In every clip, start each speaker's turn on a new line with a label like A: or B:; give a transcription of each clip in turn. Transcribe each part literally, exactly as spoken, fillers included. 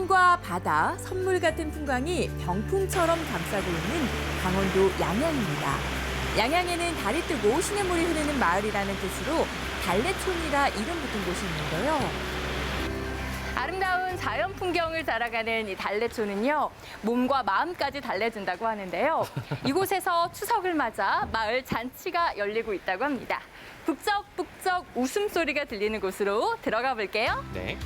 A: 산과 바다, 선물 같은 풍광이 병풍처럼 감싸고 있는 강원도 양양입니다. 양양에는 달이 뜨고 시냇물이 흐르는 마을이라는 뜻으로 달래촌이라 이름 붙은 곳이 있는데요. 아름다운 자연 풍경을 자랑하는 이 달래촌은요, 몸과 마음까지 달래준다고 하는데요. 이곳에서 추석을 맞아 마을 잔치가 열리고 있다고 합니다. 북적북적 웃음소리가 들리는 곳으로 들어가 볼게요.
B: 네.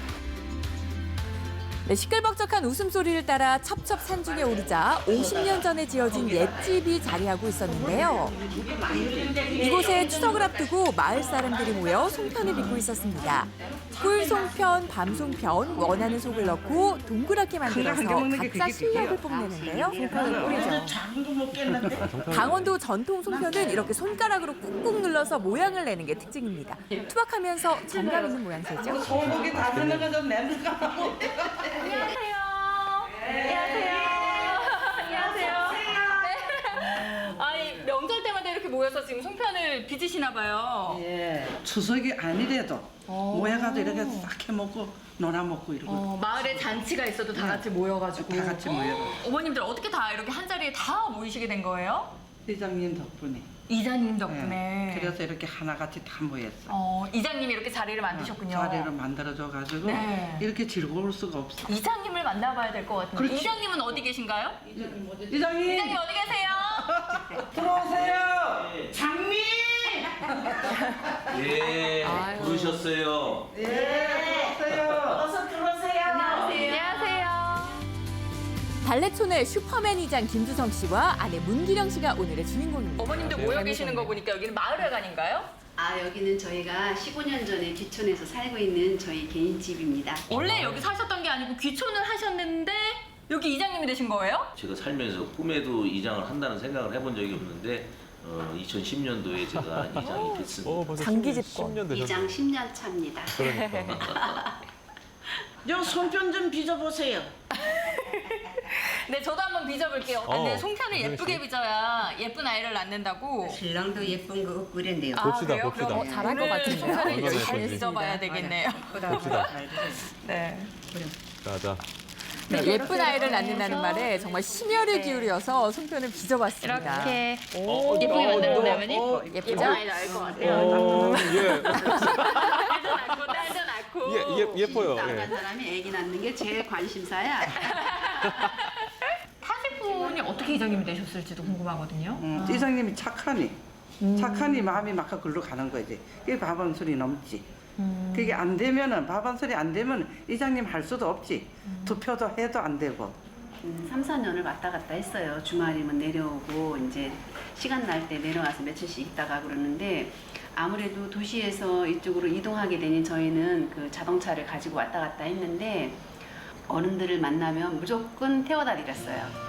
A: 네, 시끌벅적한 웃음소리를 따라 첩첩산중에 오르자 오십 년 전에 지어진 옛집이 자리하고 있었는데요. 이곳에 추석을 앞두고 마을 사람들이 모여 송편을 빚고 있었습니다. 꿀송편, 밤송편, 원하는 속을 넣고 동그랗게 만들어서 각자 실력을 뽐내는데요. 송편을 뿌리죠. 강원도 전통 송편은 이렇게 손가락으로 꾹꾹 눌러서 모양을 내는 게 특징입니다. 투박하면서 정감 있는 모양새죠.
C: 소고기 다 쓰는 거좀 냄새가.
A: 안녕하세요. 안녕하세요. 안녕하세요. 네. 아니, 명절 때마다 이렇게 모여서 지금 송편을 빚으시나 봐요.
C: 예. 추석이 아니래도 모여가도 이렇게 싹 해먹고 놀아먹고 이러고.
A: 어, 마을에 잔치가 있어도 다 같이 모여가지고.
C: 다 같이 모여.
A: 어머님들 어떻게 다 이렇게 한 자리에 다 모이시게 된 거예요?
C: 이장님 덕분에.
A: 이장님 덕분에.
C: 네. 그래서 이렇게 하나같이 다 모였어.
A: 어, 이장님이 이렇게 자리를 만드셨군요.
C: 자리를 만들어줘가지고
A: 네.
C: 이렇게 즐거울 수가 없어.
A: 이장님을 만나봐야 될 것 같은데.
C: 그렇지.
A: 이장님은 어디 계신가요?
C: 이장님.
A: 이장님 어디 계세요?
C: 들어오세요. 장미.
D: 예,
A: 아유.
D: 부르셨어요.
C: 예. 들어오세요. 어서 들어오세요.
A: 안녕하세요. 달래촌의 슈퍼맨 이장 김주성 씨와 아내 문기령 씨가 오늘의 주인공입니다. 어머님들 모여 계시는 거 보니까 여기는 마을회관인가요?
E: 아, 여기는 저희가 십오 년 전에 귀촌에서 살고 있는 저희 개인 집입니다.
A: 원래 여기 사셨던 게 아니고 귀촌을 하셨는데 여기 이장님이 되신 거예요?
D: 제가 살면서 꿈에도 이장을 한다는 생각을 해본 적이 없는데 어, 이천십 년도에 제가 이장이 됐습니다.
B: 어, 벌써
A: 장기
B: 십
A: 집권.
B: 년 되셨네요.
E: 이장 십 년 차입니다.
B: 그러니까.
C: 요 손편 좀 빚어보세요.
A: 네, 저도 한번 빚어볼게요.
B: 어,
A: 근데 송편을
B: 이정희
A: 예쁘게
B: 씨.
A: 빚어야 예쁜 아이를 낳는다고.
E: 신랑도 예쁜 거 없고 그랬네요.
B: 봅시다,
A: 그래요?
B: 봅시다.
A: 그럼 잘할 것 같은데요? 송편을
B: 얼마나
A: 잘
B: 예쁜지.
A: 빚어봐야 되겠네요.
B: 봅시다.
A: 네.
B: 자, 자.
A: 네, 예쁜 아이를 낳는다는 말에 정말 심혈을 기울여서 송편을 빚어봤습니다.
F: 이렇게
A: 오,
F: 예쁘게 만들어내면
C: 어,
A: 예쁘죠?
F: 아이 나을 것 같아요.
B: 어, 예.
A: 딸도 낳고 딸도 낳고.
B: 예, 예, 예뻐요.
E: 나간
B: 예.
E: 사람이 아기 낳는 게 제일 관심사야.
A: 타시분이 어떻게 이장님이 되셨을지도 궁금하거든요.
C: 음, 이장님이 착하니. 착하니 마음이 막 글로 가는 거지. 그게 밥 한 소리 넘지. 그게 안 되면은 밥 한 소리 안 되면 이장님 할 수도 없지. 투표도 해도 안 되고.
E: 음, 삼, 사 년을 왔다 갔다 했어요. 주말이면 내려오고 이제 시간 날 때 내려와서 며칠씩 있다가 그러는데 아무래도 도시에서 이쪽으로 이동하게 되니 저희는 그 자동차를 가지고 왔다 갔다 했는데 어른들을 만나면 무조건 태워다 드렸어요.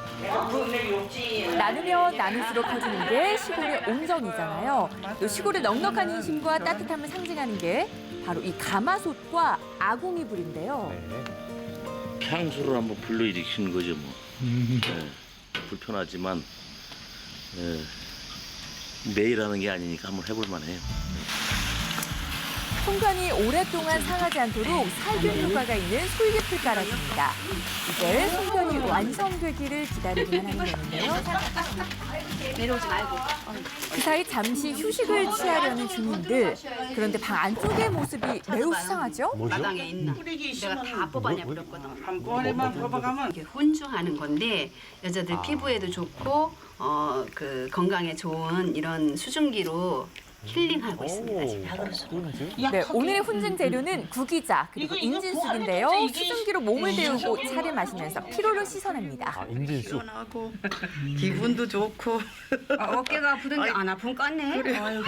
A: 나누면 나눌수록 커지는 게 시골의 온정이잖아요. 또 시골의 넉넉한 인심과 따뜻함을 상징하는 게 바로 이 가마솥과 아궁이불인데요.
B: 네.
D: 향수를 한번 불러일으키는 거죠, 뭐. 예, 불편하지만 예, 매일 하는 게 아니니까 한번 해볼 만해요.
A: 송편이 오랫동안 상하지 않도록 살균 효과가 있는 솔깃을 깔아줍니다. 이제 송편이 완성되기를 기다리기만 하면 되는데요.
E: 내려오지 말고.
A: 그 사이 잠시 휴식을 취하려는 주민들. 그런데 방 안쪽의 모습이 매우 수상하죠?
B: 뭐죠?
E: 마당에 있나? 내가 다 뽑아내 버렸거든.
C: 한 꼬리만 뽑아가면
E: 이게 혼주하는 건데 여자들 피부에도 좋고 어, 그 건강에 좋은 이런 수증기로 힐링하고 있습니다. 지금.
A: 네, 오늘의 훈증 재료는 구기자 그리고 인진쑥인데요. 수증기로 몸을 데우고 차를 마시면서 피로를 씻어냅니다.
B: 아, 인진수.
C: 시원하고 기분도 좋고.
E: 어깨가 아프던 게 안 아픈 것 같네.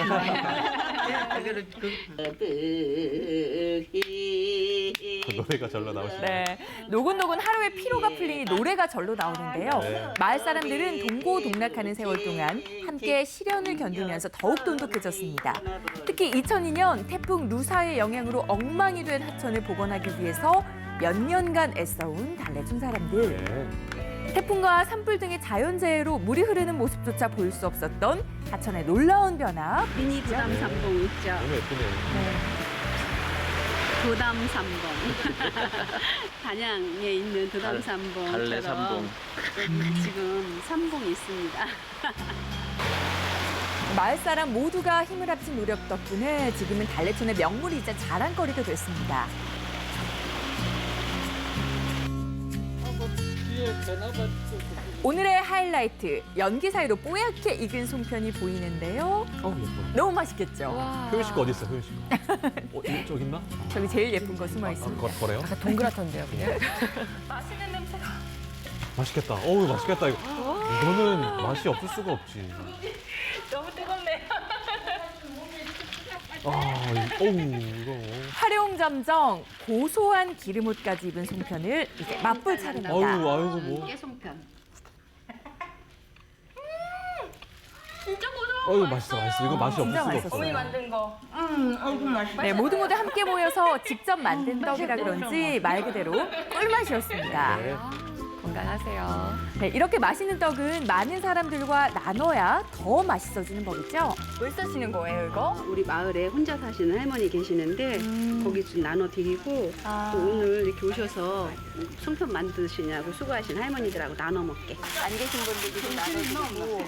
B: 노래가 절로 나오시네.
A: 네, 노곤노곤 하루의 피로가 풀리니 노래가 절로 나오는데요.
B: 네.
A: 마을 사람들은 동고동락하는 세월 동안 함께 시련을 견디면서 더욱 돈독해졌습니다. 특히 이천이 년 태풍 루사의 영향으로 엉망이 된 하천을 복원하기 위해서 몇 년간 애써온 달래촌 사람들.
B: 네.
A: 태풍과 산불 등의 자연재해로 물이 흐르는 모습조차 보일 수 없었던 하천의 놀라운 변화.
E: 미니 부담 삼봉 있죠.
B: 너무 예쁘네요.
E: 부담 삼봉. 단양에 있는 도담 삼봉처럼
D: 달래 삼봉.
E: 여기 지금 삼봉이 있습니다.
A: 마을 사람 모두가 힘을 합친 노력 덕분에 지금은 달래촌의 명물이자 자랑거리가 됐습니다. 오늘의 하이라이트, 연기 사이로 뽀얗게 익은 송편이 보이는데요.
B: 어, 예뻐.
A: 너무 맛있겠죠?
B: 효연 씨거 어디 있어, 효연 씨 거? 어, 이쪽 있나?
A: 저기 제일 예쁜 거 숨어
B: 아,
A: 있습니다.
B: 거, 거래요?
A: 동그랗던데요.
B: 맛있겠다. 어우, 맛있겠다, 이거. 이거는 맛이 없을 수가 없지.
A: 너무 뜨겁네요.
B: 아, 이- 어우, 이거.
A: 활용점정 고소한 기름옷까지 입은 송편을 이제 맛볼 차례입니다.
B: 어우, 아이고, 뭐.
E: 깨송편.
B: 어우, 맛있어, 맛있어. 이거 맛이 없을
A: 진짜
B: 수가
A: 맛있었어요.
B: 없어.
A: 어머니
F: 만든 거.
A: 네, 모두 모두 함께 모여서 직접 만든 떡이라 그런지 말 그대로 꿀맛이었습니다.
B: 네.
A: 건강하세요. 네, 이렇게 맛있는 떡은 많은 사람들과 나눠야 더 맛있어지는 법이죠.
F: 왜 쓰시는 거예요, 이거?
E: 우리 마을에 혼자 사시는 할머니 계시는데 거기 좀 나눠드리고 또 오늘 이렇게 오셔서 송편 만드시냐고 수고하신 할머니들하고 나눠 먹게.
F: 안 계신 분들도 좀 나눠주고.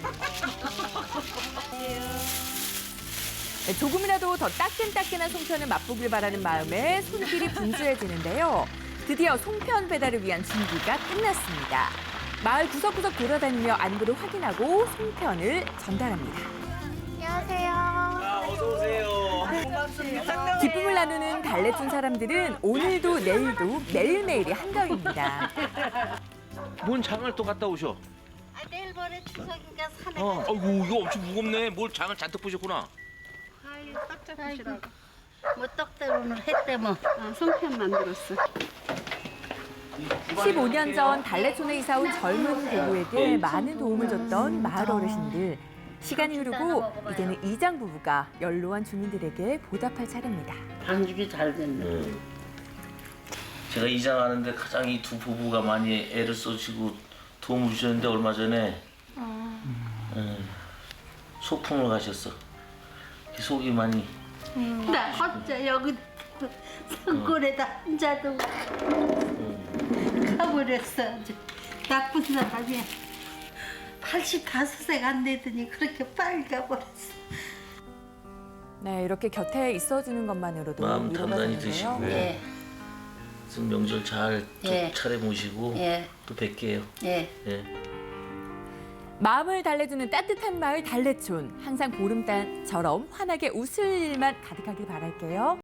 A: 네, 조금이라도 더 따끈따끈한 송편을 맛보길 바라는 마음에 손길이 분주해지는데요. 드디어 송편 배달을 위한 준비가 끝났습니다. 마을 구석구석 돌아다니며 안부를 확인하고 송편을 전달합니다. 기쁨을 나누는 달래촌 사람들은 오늘도 내일도 매일매일이 한가위입니다.
D: 뭔 장을 또 갔다 오셔?
G: 아, 내일 모레 추석이니까 산에
D: 어,
G: 가서
D: 어이구, 이거 엄청 무겁네. 뭘 장을 잔뜩 보셨구나.
G: 아유, 떡 잡수시라고. 뭐 떡대로 오늘 했대 뭐.
E: 아, 송편 만들었어.
A: 십오 년 전 달래촌에 이사 온 젊은 부부에게 많은 도움을 줬던 마을 어르신들. 시간이 흐르고 이제는 이장 부부가 연로한 주민들에게 보답할 차례입니다.
G: 반죽이 잘 됐네.
D: 제가 이장하는데 가장 이 두 부부가 많이 애를 써주고 도움을 주셨는데 얼마 전에 음, 소풍을 가셨어. 속이 많이
G: 나 혼자 여기 산골에다 혼자도 가버렸어. 아주 나쁜 사람이야. 팔십오 세가 안 되더니 그렇게 빨리 가버렸어.
A: 네, 이렇게 곁에 있어주는 것만으로도
D: 마음
A: 위로가
D: 단단히
A: 되는데요.
D: 드시고.
G: 예,
D: 무슨 명절 잘
G: 예.
D: 차례 모시고
G: 예,
D: 또 뵐게요.
G: 예.
D: 예.
A: 마음을 달래주는 따뜻한 마을 달래촌. 항상 보름달처럼 환하게 웃을 일만 가득하길 바랄게요.